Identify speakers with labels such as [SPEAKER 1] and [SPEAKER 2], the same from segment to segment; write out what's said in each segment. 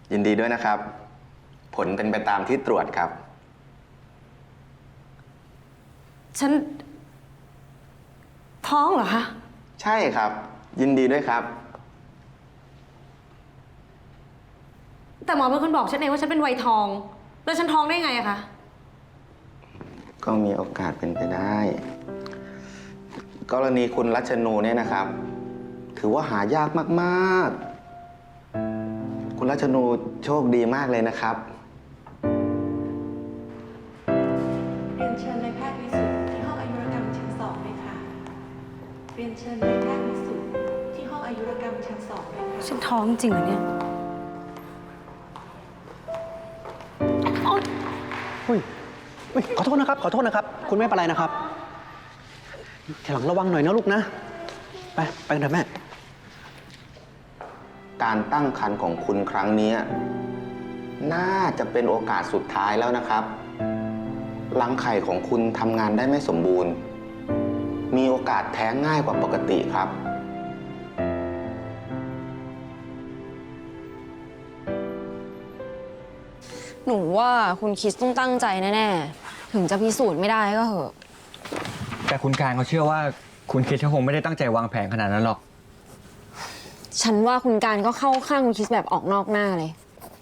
[SPEAKER 1] ยินดีด้วยนะครับ ผลเป็นไปตามที่ตรวจครับ
[SPEAKER 2] ฉันท้องเหรอคะ
[SPEAKER 1] ใช่ครับ ยินดีด้วยครับ
[SPEAKER 2] แต่หมอเป็นคนบอกฉันเองว่าฉันเป็นวัยทอง แล้วฉันท้องได้ไงอะคะ
[SPEAKER 1] ก็มีโอกาสเป็นไปได้ กรณีคุณรัชนูเนี่ยนะครับ ถือว่าหายากมากๆ คุณรัชนูโชคดีมากเลยนะครับ
[SPEAKER 3] เรียนเชิญนายแพทย์วิสุทธิ์ที่ห้องอายุรกรรมชั้น2เลยค่ะ เรียนเชิญนายแพทย์วิสุทธิ์ที่ห้องอายุรกรรมชั้น2เลยค่ะ
[SPEAKER 2] ฉันท้องจริงเหรอเนี่ย
[SPEAKER 4] อุ้ยขอโทษนะครับ ขอโทษนะครับ คุณไม่เป็นไรนะครับทีหลังระวังหน่อยนะลูกนะ ไปกันเถอะแม่
[SPEAKER 1] การตั้งครรภ์ของคุณครั้งนี้น่าจะเป็นโอกาสสุดท้ายแล้วนะครับ รังไข่ของคุณทำงานได้ไม่สมบูรณ์ มีโอกาสแท้งง่ายกว่าปกติครับ
[SPEAKER 5] หนูว่าคุณคริสต้องตั้งใจแน่ๆ ถึงจะพิสูจน์ไม่ได้ก็เหอะ
[SPEAKER 6] แต่คุณการเขาเชื่อว่าคุณคิดเขาคงไม่ได้ตั้งใจวางแผนขนาดนั้นหรอก
[SPEAKER 5] ฉันว่าคุณการก็เข้าข้างคุณคริสแบบออกนอกหน้าเลย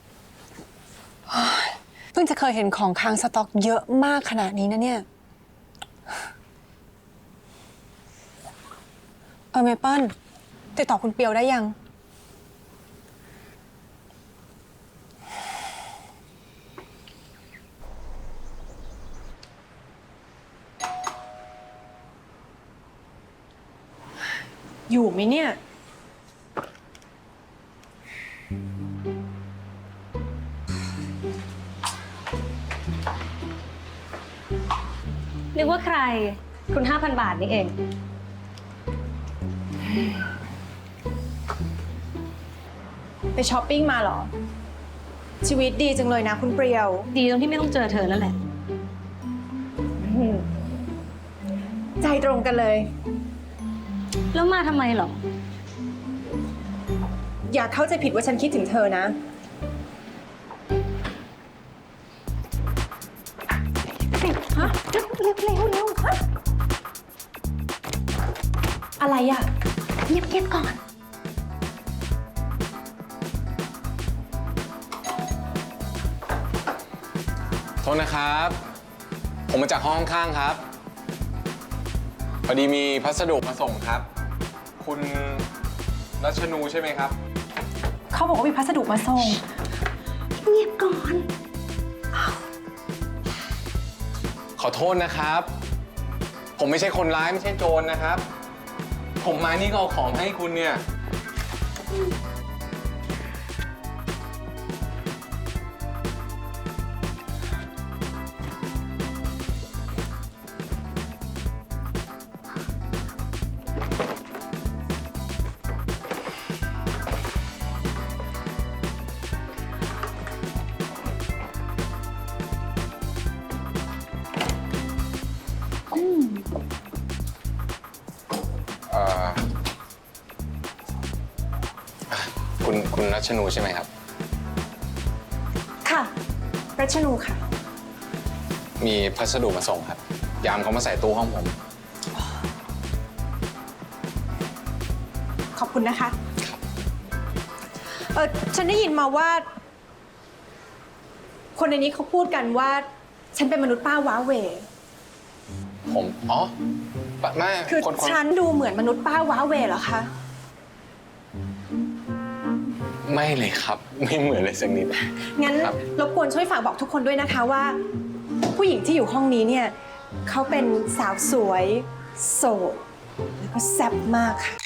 [SPEAKER 7] เพิ่งจะเคยเห็นของค้างสต็อกเยอะมากขนาดนี้นะเนี่ย เมเปิ้ลติดต่อคุณเปียวได้ยัง อยู่ไหมเนี่ย
[SPEAKER 2] นึกว่าใคร คุณ 5,000 บาทนี่เอง
[SPEAKER 7] ไปช้อปปิ้งมาเหรอ ชีวิตดีจังเลยนะคุณเปรียว
[SPEAKER 2] ดีตรงที่ไม่ต้องเจอเธอนั่นแหละ
[SPEAKER 7] ใจตรงกันเลย
[SPEAKER 2] แล้วมาทำไมหรอ
[SPEAKER 7] อย่าเข้าใจผิดว่าฉันคิดถึงเธอนะ ฮะเร็วฮะอะไรอ่ะ
[SPEAKER 2] เงียบๆก่อน
[SPEAKER 8] โทษนะครับ ผมมาจากห้องข้างๆครับ พอดีมีพัสดุมาส่งครับ คุณรัชนูใช่ไหมครับ
[SPEAKER 7] เขาบอกว่ามีพัสดุมาส่ง
[SPEAKER 2] เงียบก่อน
[SPEAKER 8] ขอโทษนะครับ ผมไม่ใช่คนร้ายไม่ใช่โจรนะครับ ผมมานี่ก็เอาของให้คุณเนี่ย คุณรัชนูใช่ไหมครับ
[SPEAKER 7] ค่ะ รัชนูค่ะ
[SPEAKER 8] มีพัสดุมาส่งครับ ยามเขามาใส่ตู้ห้องผม
[SPEAKER 7] ขอบคุณนะคะ ฉันได้ยินมาว่า คนในนี้เขาพูดกันว่า ฉันเป็นมนุษย์ป้าว้าเหว
[SPEAKER 8] อ๋อไม่
[SPEAKER 7] คือ
[SPEAKER 8] คน
[SPEAKER 7] ฉันดูเหมือนมนุษย์ป้าว้าเหวเหรอคะ
[SPEAKER 8] ไม่เลยครับ ไม่เหมือนเลยสักนิด
[SPEAKER 7] งั้น
[SPEAKER 8] ครับ
[SPEAKER 7] รบกวนช่วยฝากบอกทุกคนด้วยนะคะว่า ผู้หญิงที่อยู่ห้องนี้เนี่ยเขาเป็นสาวสวย โสด แล้วก็แซ่บมากค่ะ